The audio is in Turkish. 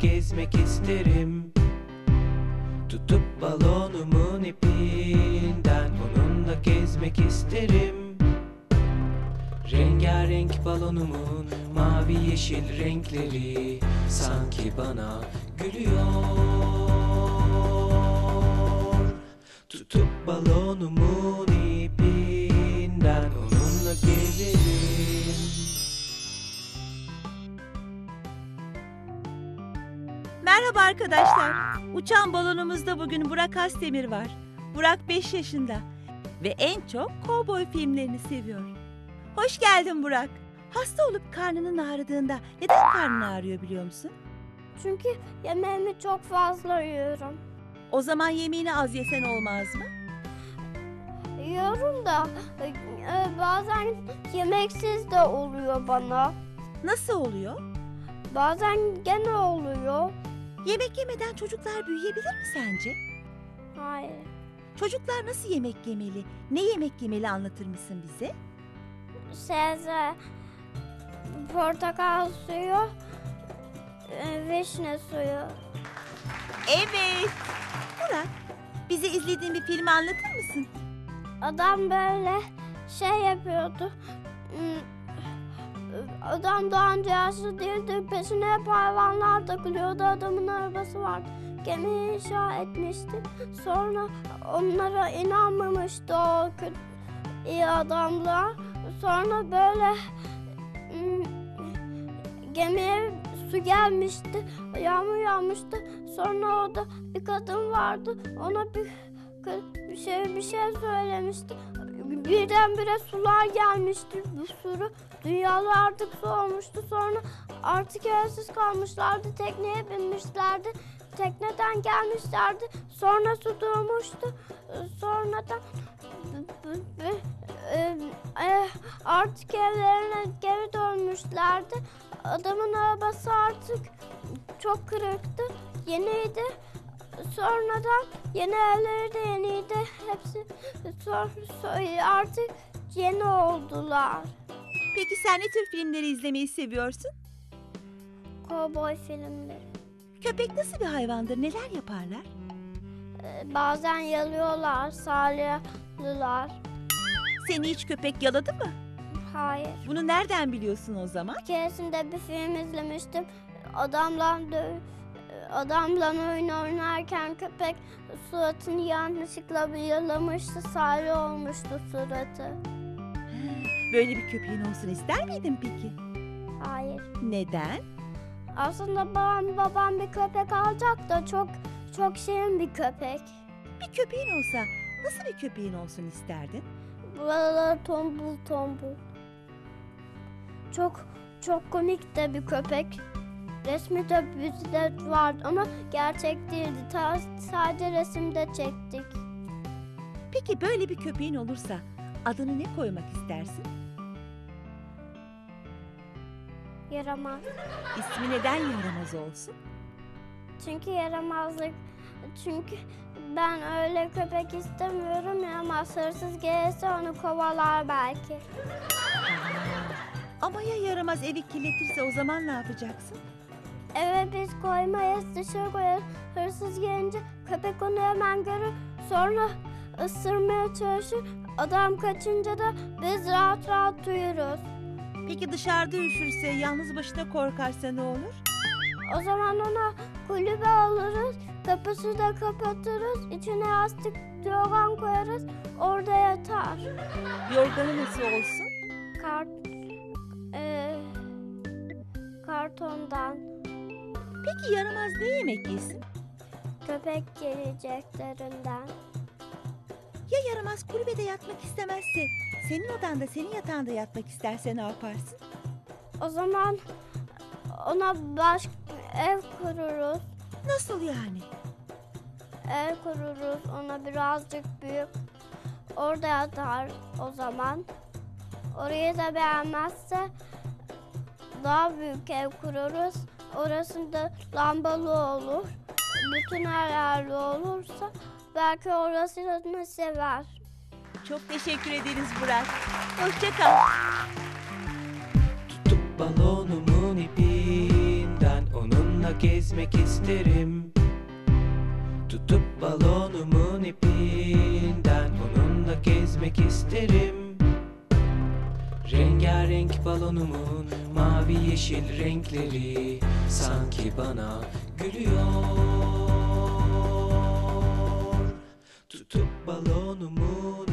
gezmek isterim. Tutup balonumun ipinden onunla gezmek isterim. Rengarenk balonumun mavi yeşil renkleri sanki bana gülüyor. Tutup balonumun ipinden onunla gezerim. Merhaba arkadaşlar. Uçan balonumuzda bugün Burak Asdemir var. Burak 5 yaşında ve en çok kovboy filmlerini seviyor. Hoş geldin Burak. Hasta olup karnının ağrıdığında neden karnın ağrıyor biliyor musun? Çünkü yemeğimi çok fazla yiyorum. O zaman yemeğini az yesen olmaz mı? Yiyorum da bazen yemeksiz de oluyor bana. Nasıl oluyor? Bazen gene oluyor. Yemek yemeden çocuklar büyüyebilir mi sence? Hayır. Çocuklar nasıl yemek yemeli? Ne yemek yemeli anlatır mısın bize? Sebze, portakal suyu, vişne suyu. Evet. Burak, bize izlediğin bir filmi anlatır mısın? Adam böyle şey yapıyordu. Adam daha önce yaşlı değildi. Peşine hep hayvanlar takılıyordu. Adamın arabası vardı. Gemi inşa etmişti. Sonra onlara inanmamıştı o iyi adamlar. Sonra böyle gemiye su gelmişti. Yağmur yağmıştı. Sonra orada bir kadın vardı. Ona bir şey söylemişti. Birdenbire sular gelmişti, bir sürü. Dünyalar artık su olmuştu. Sonra artık evsiz kalmışlardı. Tekneye binmişlerdi. Tekneden gelmişlerdi. Sonra su durmuştu. Sonradan artık evlerine geri dönmüşlerdi. Adamın arabası artık çok kırıktı. Yeniydi. Sonradan yeni evleri de yeniydi. Hepsi artık yeni oldular. Peki sen ne tür filmleri izlemeyi seviyorsun? Kovboy filmleri. Köpek nasıl bir hayvandır? Neler yaparlar? Bazen yalıyorlar, salyalılar. Seni hiç köpek yaladı mı? Hayır. Bunu nereden biliyorsun o zaman? Bir keresinde bir film izlemiştim. Adamla oyun oynarken köpek suratını yanlışlıkla yalamıştı. Salya olmuştu suratı. Böyle bir köpeğin olsun ister miydin peki? Hayır. Neden? Aslında babam bir köpek alacak da çok şirin bir köpek. Bir köpeğin olsa nasıl bir köpeğin olsun isterdin? Buralar tombul tombul. Çok komik de bir köpek. Resmi de bizde vardı ama gerçek değildi. Sadece resimde çektik. Peki böyle bir köpeğin olursa adını ne koymak istersin? Yaramaz. İsmi neden yaramaz olsun? Çünkü yaramazlık. Çünkü ben öyle köpek istemiyorum. Yaramaz, hırsız gelirse onu kovalar belki. Ama ya yaramaz evi kirletirse o zaman ne yapacaksın? Eve biz koymayız, dışarı koyarız. Hırsız gelince köpek onu hemen görür. Sonra ısırmaya çalışır. Adam kaçınca da biz rahat rahat uyuruz. Peki dışarıda üşürse, yalnız başına korkarsa ne olur? O zaman ona kulübe alırız. Kapısı da kapatırız. İçine yastık, yorgan koyarız. Orada yatar. Yorganı nasıl olsun? Kartondan. Peki yaramaz ne yemek yesin? Köpek geleceklerinden. Ya yaramaz kulübede yatmak istemezse, senin odanda, senin yatağında yatmak isterse ne yaparsın? O zaman ona ev kururuz. Nasıl yani? Ev kururuz, ona birazcık büyük. Orada yatar o zaman. Orayı da beğenmezse daha büyük ev kururuz. Orasında lambalı olur. Bütün her yerli olursa belki orasını sever. Çok teşekkür ederiz Burak. Hoşça kal. Tutup balonumun ipinden onunla gezmek isterim. Tutup balonumun ipinden onunla gezmek isterim. Rengarenk balonumun mavi yeşil renkleri sanki bana gülüyor. Tutup balonumun